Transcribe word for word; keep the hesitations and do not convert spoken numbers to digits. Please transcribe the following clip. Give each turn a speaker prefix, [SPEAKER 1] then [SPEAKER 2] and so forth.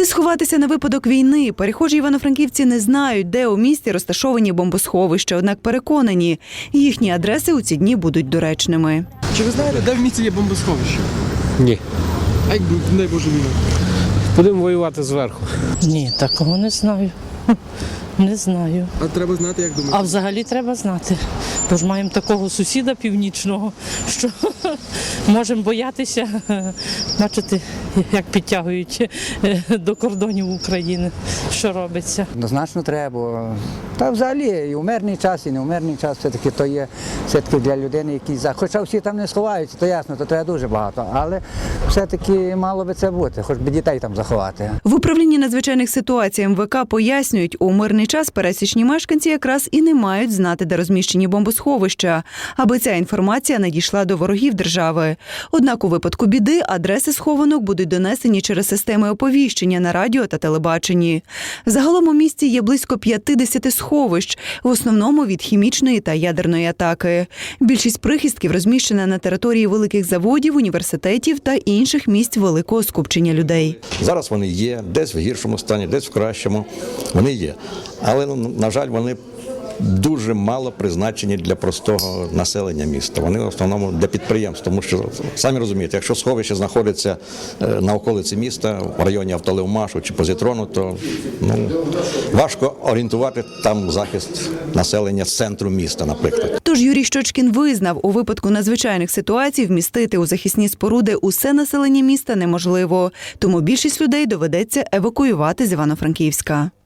[SPEAKER 1] сховатися на випадок війни? Перехожі івано-франківці не знають, де у місті розташовані бомбосховища, однак переконані, їхні адреси у ці дні будуть доречними.
[SPEAKER 2] Чи ви знаєте, де в місті є бомбосховище?
[SPEAKER 3] Ні.
[SPEAKER 2] А якби, не Боже, війна?
[SPEAKER 3] Будемо воювати зверху.
[SPEAKER 4] Ні, такого не знаю. Не знаю.
[SPEAKER 2] А треба знати, як думаєте?
[SPEAKER 4] А взагалі треба знати. Бо ж маємо такого сусіда північного, що можемо боятися, бачити, як підтягують до кордонів України, що робиться.
[SPEAKER 5] Однозначно треба. Та взагалі і у мирний час, і не у мирний час все-таки то є все-таки для людини якийсь захист. Хоча всі там не сховаються, то ясно, то треба дуже багато. Але все-таки мало би це бути, хоч би дітей там заховати.
[SPEAKER 1] В управлінні надзвичайних ситуацій ем ве ка пояснюють, у мирний час пересічні мешканці якраз і не мають знати, де розміщені бомбосховища, аби ця інформація не дійшла до ворогів держави. Однак у випадку біди адреси схованок будуть донесені через системи оповіщення на радіо та телебаченні. Загалом у місті є близько п'ятдесят сховищ, в основному від хімічної та ядерної атаки. Більшість прихистків розміщена на території великих заводів, університетів та інших місць великого скупчення людей.
[SPEAKER 6] Зараз вони є, десь в гіршому стані, десь в кращому. Вони є. Але, на жаль, вони дуже мало призначені для простого населення міста. Вони в основному для підприємств, тому що, самі розумієте, якщо сховище знаходиться на околиці міста, в районі Автолевмашу чи Позитрону, то ну, важко орієнтувати там захист населення з центру міста, наприклад.
[SPEAKER 1] Тож Юрій Щочкін визнав, у випадку надзвичайних ситуацій вмістити у захисні споруди усе населення міста неможливо, тому більшість людей доведеться евакуювати з Івано-Франківська.